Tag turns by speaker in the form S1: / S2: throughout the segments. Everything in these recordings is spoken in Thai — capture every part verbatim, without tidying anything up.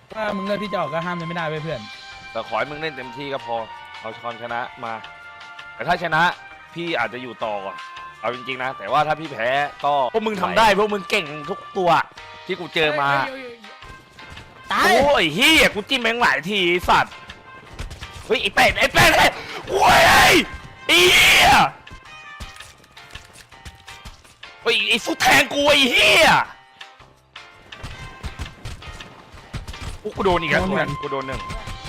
S1: ถ้ามึงเลือกที่จะออกก็ห้ามเลยไม่ได้เว้ยเพื่อน
S2: แต่ขอให้มึงเล่นเต็มที่ก็พอเอาชอนชนะมาแต่ถ้าชนะพี่อาจจะอยู่ต่อก่อนเอาจริงๆนะแต่ว่าถ้าพี่แพ้ก็พวกมึงทำได้พวกมึงเก่งทุกตัวที่กูเจอมา
S1: ตาย
S2: โอ้ยเฮียกูจิ้มแม่งหลายทีสัตว์เฮ้ยไอ้เป็ดไอ้เป็ดไอ้โว้ยไอ้เฮียเฮ้ยไอ้ฟุตแทงกูไอ้เฮียกูโดนอีกแล้วกูโดนหนึ่ง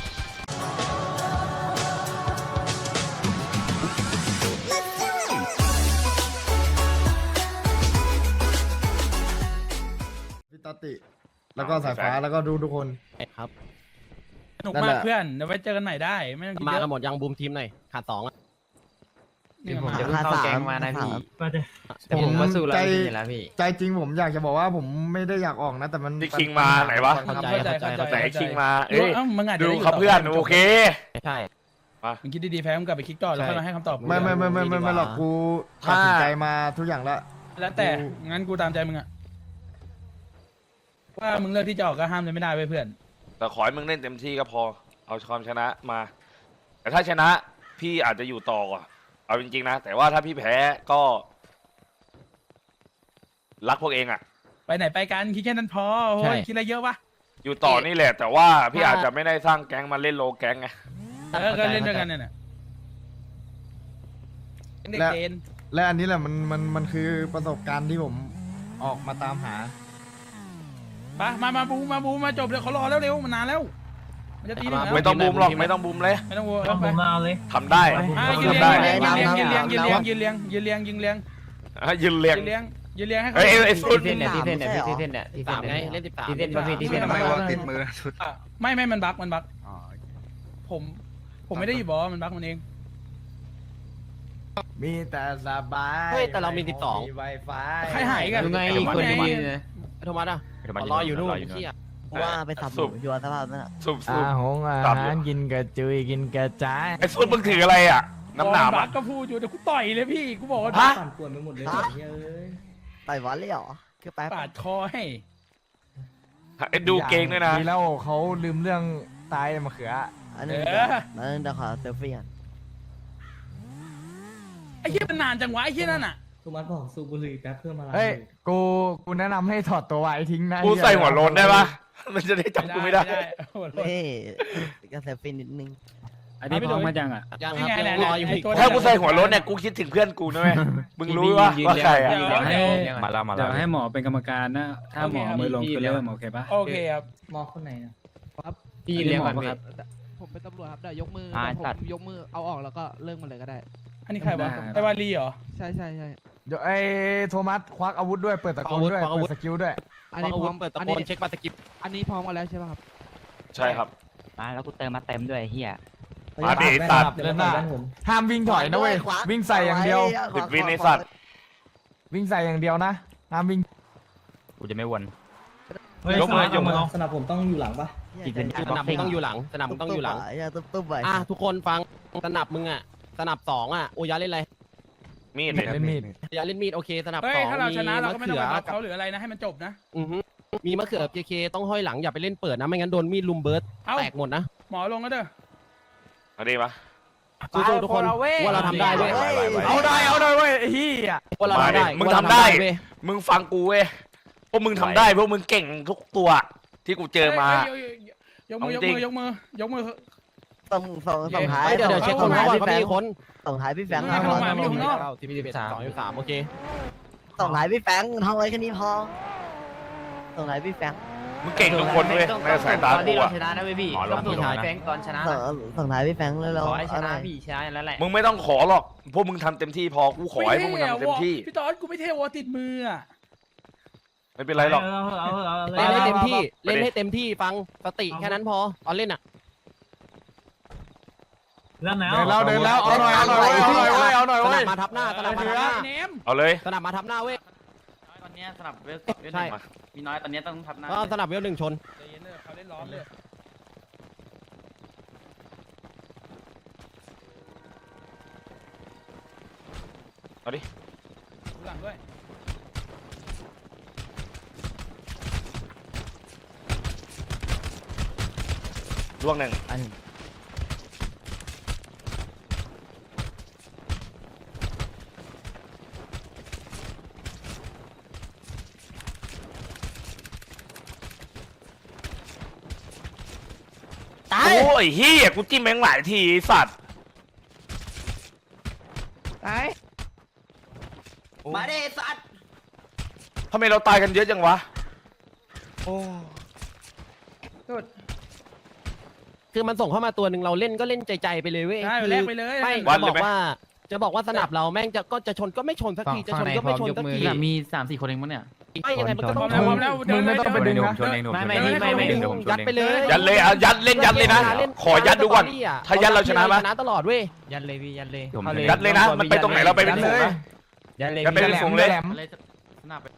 S3: พี่ตติแล้วก็สายฟ้าแล้วก็ดูทุกคน
S4: ครับ
S1: สนุกมากเพื่อนเดี๋ยวไว้เจอกันใหม่ได้ไม่ต้องคิดเยอะ
S4: มากันหมดยังบูมทีมหน่อยขาดสองอ่ะ
S5: ผมจะเข้าแก๊งมานะพี่แต่ผมก็สู้แล้วพี่แล้วพี่
S3: ใจจริงผมอยากจะบอกว่าผมไม่ได้อยากออกนะแต่มัน
S2: ที่คิงมาไหนวะ
S4: เข้าใจเข้าใจ
S2: ไหนคิงมาเอ้ยดู
S1: เขา
S2: เพื่อนโอเค
S4: ใช่
S1: มึงคิดดีๆแพ้มึงกลับไปคิดต่อแล้วค่อยมาให้คำตอบ
S3: ไม่ไม่ไม่ไม่ไม่ไม่หรอกกูตัดสินใจมาทุกอย่างแล้ว
S1: แล้วแต่งั้นกูตามใจมึงอะว่ามึงเลือกที่จะออกก็ห้ามเลยไม่ได้เว้ยเพื่อน
S2: แต่ขอให้มึงเล่นเต็มที่ก็พอเอาความชนะมาแต่ถ้าชนะพี่อาจจะอยู่ต่อก่อนเอาจริงๆนะแต่ว่าถ้าพี่แพ้ก็รักพวกเองอะ
S1: ไปไหนไปกันคิดแค่นั้นพอโอ้ยคิดอะไรเยอะวะ
S2: อยู่ต่อนี่แหละแต่ว่าพี่อาจจะไม่ได้สร้างแก๊งมาเล่นโลแก๊งไง
S1: เออก็เล่นด้วยกันเนี่ย
S3: และและอันนี้แหละมันมันมันคือประสบการณ์ที่ผมออกมาตามหา
S1: ไปมามาบูมาบูมาจบเดี๋ยวเขารอแล้วเร็วมันนานแล้วมันจะตีแล้ว
S2: ไม่ต้องบูมหรอกไม่ต้องบูมเลย
S1: ไม่ต้องบูมไป
S5: มาเลย
S2: ทำได้
S1: ยืนเลี้ยงยืนเลี้ยงยืนเลี้ยงยืนเลี้ยงยืนเลี้ยงยืนเลี้ยง
S2: ยืนเลี้ยง
S1: ยืนเลี้ยงยืนเลี้ยงให้เขา
S2: ไอ้ไอ้
S5: ที่เส้นเนี่ยที่เส้นเนี่ยที่เส้นเนี่ยที่เส้น
S4: ไงเล่นสิบสาม
S5: ที่เส้นพี่ที่เส้น
S6: ทำไมวางติดมือสุด
S1: ไม่ไม่มันบั๊กมันบั๊กผมผมไม่ได้อยู่บอกว่ามันบั๊กมันเอง
S3: มีแต่สบาย
S4: เฮ้ยแต่เรามีสิบสอง
S3: ไวไฟ
S1: ใครหายกัน
S5: ยังไงคนนี้เนี่ย
S4: โทมัสอ่ะรออยู่นู่นเที่ย
S7: ว่าไปสับหมูยัวสภาพนั่นแหละ
S2: สุบสุบ
S3: อาหงอาหารกินกระจุยกินกระจาย
S2: ไอ้สุดมึงถืออะไรอ่ะน้ำหนาม
S1: ก็พูดอยู่แต่กูต่อยเลยพี่กูบอกว่า
S3: ปั่นป่วนไปหมดเลย
S7: ต่อยวันเลยเหรอคือแป๊บ
S1: ปาดคอให้
S2: ไอ้ดูเก่งด้วยนะ
S3: ดีแล้วเขาลืมเรื่องตายมะเขือ
S7: อันนี้อันนี้เดี๋ยวขอเซลฟี่กัน
S1: ไอ้เหี้ยมันนานจังวะไอ้เหี้ยนั่นอ่ะ
S8: สุมัสบอกสูบบุหรี่แป๊บเพื่อมา
S3: เฮ้ยกูกูแนะนำให้ถอดตัวไว้ทิ้งนะ
S2: กูใส่หัวโลนได้ปะมันจะได้จับกูไม่ได้
S7: เฮ้ยก็เซลฟี่นิดนึง
S5: อันนี้พร้อมมาจังอ่ะ
S4: ยังครับรออยู่
S2: ถ้ากูใส่หัวโลนเนี่ยกูคิดถึงเพื่อนกูนะเว้ยมึงรู้ว่าว่าใครอ่ะ
S5: มาแล้วมาแล้วให้หมอเป็นกรรมการนะถ้าหมอมือลงคือเริ่มโอเคปะ
S1: โอเคครับ
S8: หมอคนไหนครับ
S5: พี่เลี้ยงก่อนครับ
S8: ผมเป็นตำรวจครับเดี๋ยวยกมือผมยกมือเอาออกแล้วก็เลิกมันเลยก็ได้
S1: อันนี้ใครวะไอวาลีเหรอ
S8: ใช่ใช่ใช่
S3: เดี๋ยวไอ้โทมัสควักอาวุธด้วยเปิดตะโกนด้วยเปิดสกิลด้วย
S4: อันนี้พร้อมเปิดตะโกนเช็คปัตตะกิบ
S8: อันนี้พร้อมมาแล้วใช่ป่ะครับ
S2: ใช่ครับ
S5: มาแล้วกูเติมมาเต็มด้วยเฮีย
S2: มาดิตัด
S3: เดินหน้าห้ามวิ่งถอยนะเว้ยวิ่งใส่อย่างเดียว
S2: ติดวินในสัตว์
S3: วิ่งใส่อย่างเดียวนะห้ามวิ่ง
S5: กูจะไม่วน
S8: ยกมือยกมือสนับผมต้องอยู่หลังปะ
S4: สนับมึงต้องอยู่หลังสนับมึงต้องอยู่หลัง
S7: อย่าตุ๊บตุ๊บไป
S4: อ่ะทุกคนฟังสนับมึงอ่ะสนับสองอ่ะโอยาเล่นอะไร
S2: มีด
S3: เล่นมีด
S4: อย่าเล่นมีดโอเคสนับสอง
S1: ถ้าเราชนะเราก็ไม่ต้องไปบัฟเขาหรืออะไรนะให้มันจบนะ
S4: มีมะเขือเคเคต้องห้อยหลังอย่าไปเล่นเปิดนะไม่งั้นโดนมีดลุมเบิร์ดแตกหมดนะ
S1: หมอลงก็เด้อ
S2: เอาดีปะ
S4: สู้ๆทุกคนว่าเราทำได้เว้ย
S3: เอาได้เอาได้เว้ยเฮีย
S4: ว่าเราทำได้
S2: มึงทำได้มึงฟังกูเว้ยพวกมึงทำได้พวกมึงเก่งทุกตัวที่กูเจอมาย
S1: กมือยกมือยกมือยกมือ
S7: ส่งส่งส่งท้าย
S4: เดี๋ยวเดี๋ยวเช็คคนว่าเขามีคน
S7: ส่งท้ายพี่แฟงค์
S1: เข้ามาไม่อยู่ข้างนอก
S4: ทีพีสิบสามสองสามโอเค
S7: ส่งท้ายพี่แฟงค์ท้องไว้แค่นี้พอส่งท้ายพี่แฟงค์
S2: มึงเก่งทุกคนเว้ยในสายตากูอะ
S5: ชนะนะเว้ยพี่ต้องส่งท้ายแฟงตอนชนะ
S7: ส่งท้ายพี่แฟงค์เลยเรา
S5: ขอให้ชนะพี่ชนะแล้วแหละ
S2: มึงไม่ต้องขอหรอกพวกมึงทำเต็มที่พอกูขอให้พวกมึงทำเต็มที่
S1: พี่ตอนกูไม่เท่วอติดมืออะ
S2: ไม่เป็นไรหรอก
S4: เล่นให้เต็มที่เล่นให้เต็มที่ฟังสติแค่นั้นพอตอนเล่นอ่ะ
S3: เดินแล้วเดินแล้วเอาหน่อยเอาหน่อยเอาหน่อยเว้ยเอาหน่อยเว้ย
S4: มาทับหน้าสนับมาทับหน้า
S2: เอาเลย
S4: สนับมาทับหน้าเว้ย
S5: ตอนนี้สนับเวลใช่มีน้อยตอนนี้ต้องทับหน้า
S4: สนับเวลหนึ่งชน
S1: เขาเล่นร้อนเลย
S2: เอาดิ
S1: หลังด้วย
S2: ล่วงหนึ่ง
S5: อัน
S7: ตาย
S2: โอ้ยเฮียกูจิ้มแมงหลายทีไอ้สัตว์
S8: ตาย
S7: มาเด้สัตว์
S2: ทำไมเราตายกันเยอะจังวะโอ้
S4: คือมันส่งเข้ามาตัวหนึ่งเราเล่นก็เล่นใจๆไปเลยเว้ย
S1: ใช่
S4: คือ
S1: แลกไปเลย
S4: ไม่
S2: วั
S4: จะ
S2: ด
S4: บ
S2: เลย
S4: อก
S2: ไหม
S4: ว่า จะบอกว่าสนับเราแม่งจะก็จะชนก็ไม่ชนสักทีจะชนก็ไม่ชนสักที
S5: มีสามสี่คนเองมั้งเนี่ย
S4: ไม่ยังไงมันก็
S1: พ
S4: ต้
S1: ร้
S4: อ
S1: อง มแล้วพร้อมแล้ว
S3: มึงไม่ต้องไปดึงนะ
S5: ไม่ไม่พี่ไม่ไม่
S4: ดึงยัดไปเลย
S2: ยัดเลยเอายัดเล่นยัดเลยนะ ขอยัดดูก่อน ถ้ายัดเราชนะไหม
S4: ชนะตลอดเว้ย
S5: ยันเลยพี่ยันเลย
S2: ยัดเลยนะ มันไปตรงไหนเราไปเป็นฝูงนะ
S5: ยันเลย
S2: ยัดไปเป็นฝูงเลย
S5: อะไรสนับไป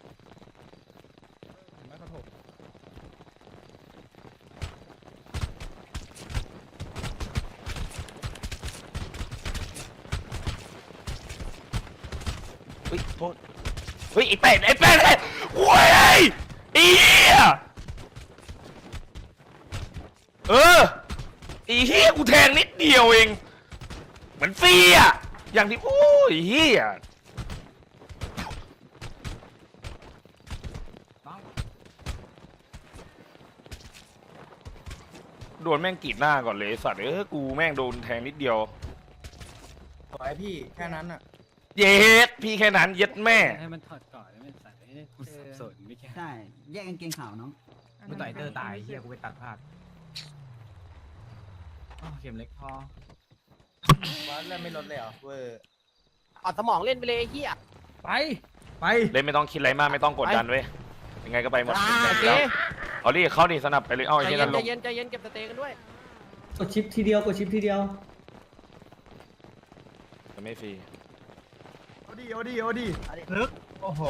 S2: เฮ้ยโทษเฮ้ยไอ้เป็ดไอ้เป็ดไอ้โว้ยไอ้เหี้ยเออไอ้เหี้ยกูแทงนิดเดียวเองเหมือนฟรีอ่ะอย่างที่โอ้ยเหี้ยโดนแม่งกรีดหน้าก่อนเลยสัตว์เออกูแม่งโดนแทงนิดเดียว
S3: ขอให้พี่แค่นั้นอ่ะ
S2: เย็ดพี่แค่นั้นเย็ดแม่
S6: ให้มันถอดก่อนแล้วมันใส่กูสับสนไม่แค่
S7: ใช่แยกกางเกงขาวน้อง
S5: กูต่อยเตอร์ตายเฮียกูไปตัดภาพเข็มเล็กพอ
S3: วัดแล้วไม่ลดเลยเหรอเวอร์
S4: ออดสมองเล่นไปเลยไอ้เฮีย
S1: ไป
S3: ไป
S2: เล่นไม่ต้องคิดอะไรมากไม่ต้องกดดันเว้ยยังไงก็ไปหมด
S4: โอเค
S2: เอาดิเข้าดิสนับไปเลยเอาไอ้
S4: ใจ
S2: เหี้ย
S4: เย็
S2: นั่
S4: น
S2: น
S4: ใจ
S2: ลง
S4: เย็นใจเย็นเก็บสเตย์กันด้วย
S6: กดชิปทีเดียวกดชิปทีเดียว
S2: จะไม่ฟรี
S3: เอาดิเอาดิเอาดิ
S6: ลึกโอ้โห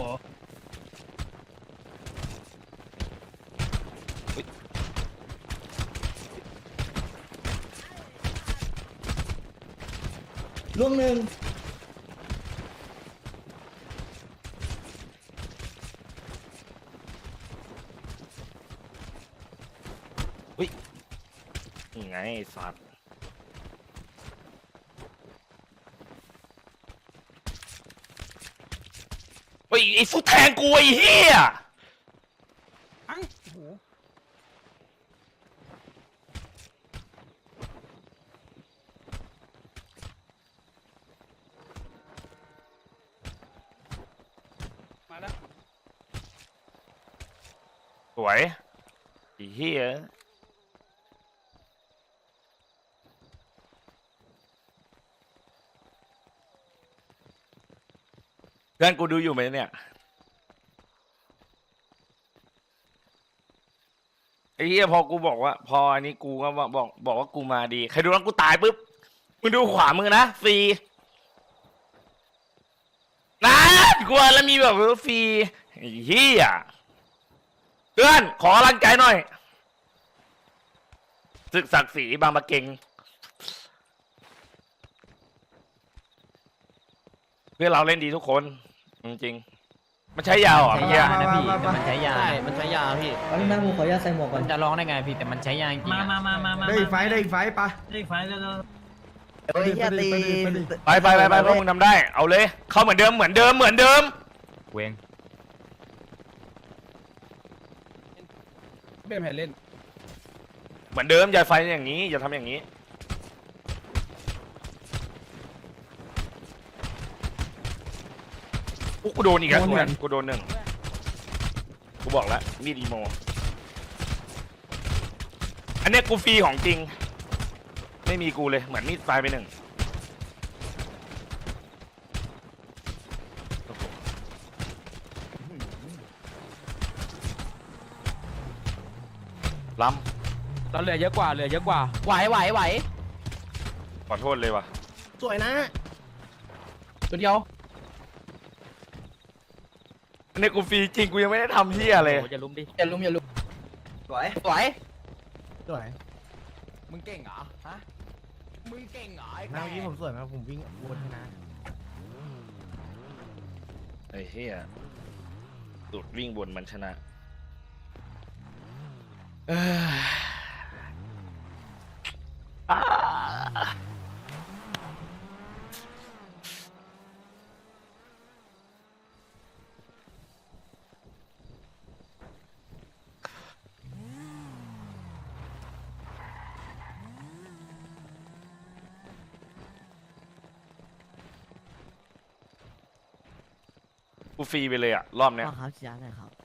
S7: ล่วงหนึ่ง
S2: ยังไงไอ้สัตว์เฮ้ยไอ้ฟุตแทงกูไอ้เหี้ย
S1: อังโอ้โหมาแล้ว
S2: สวยไอ้เหี้ยเพื่อนกูดูอยู่ไหมเนี่ยไอ้เหี้ยพอกูบอกว่า พออันนี้กูก็บอกบอกบอกว่ากูมาดีใครดูแล้วกูตายปุ๊บมึงดูขวามือนะฟรีนะกลัวแล้วมีแบบว่าฟรีไอ้เหี้ยเพื่อนขอกำลังใจหน่อยศึกศักดิ์ศรีบางปะเกงเพื่อนเราเล่นดีทุกคนจริงๆมันใช้ยาวเหรอ่ะ
S5: ใช้
S2: เมื่อกี้
S5: ยานะพี่แต่มันใช้ยา
S4: ใช่มันใช้ยาพี่
S6: ตอนนี้นะผมขออนุญาตใส่หมวกก่อ
S5: มัน นจะร้องได้ไงพี่แต่มันใช้ยาจริงๆ
S6: มา
S5: อะ
S6: มามามามา
S3: ได้อีกไฟต์ได้อีกไฟต์ปะ
S6: ได้ไฟแล้ว
S7: เฮ้ยเฮียตี
S2: ไปไปไปไปพวกมึงทำได้เอาเลย เข้าเหมือนเดิมเหมือนเดิมเหมือนเดิม
S5: เวง
S1: เบมแผ่นเล่น
S2: เหมือนเดิมอย่าไฟอย่างนี้อย่าทำอย่างนี้อุ๊ยกูโดนอีกแล้วเหมือนกูโดนหนึ่งกูบอกแล้วมีดอีโมอันเนี้ยกูฟรีของจริง ไม่มีกูเลยเหมือนมีดไฟไปหนึ่งล้ำ
S4: เราเหลือเยอะกว่าเหลือเยอะกว่าไหวไหวไหว
S2: ขอโทษเลยว่ะ
S4: สวยนะตัวเดียว
S2: อันนี้กูฟรีจริงกูยังไม่ได้ทำเฮียเลย
S4: อย่าลุมดิอย่าลุมอย่าลุม
S7: สวย
S4: สวย
S3: สวย
S4: มึงเก่งเหรอฮะมึงเก่งเหรอไอ้
S3: เมื่อกี้ผมสวยไหมผมวิ่งวนชนะ
S2: ไอ้เฮียสุดวิ่งบนมันชนะเอ้ยกูฟรีไปเลยอ่ะรอบเนี้ย
S7: พ่อครับชี้แจงหน่อยครับ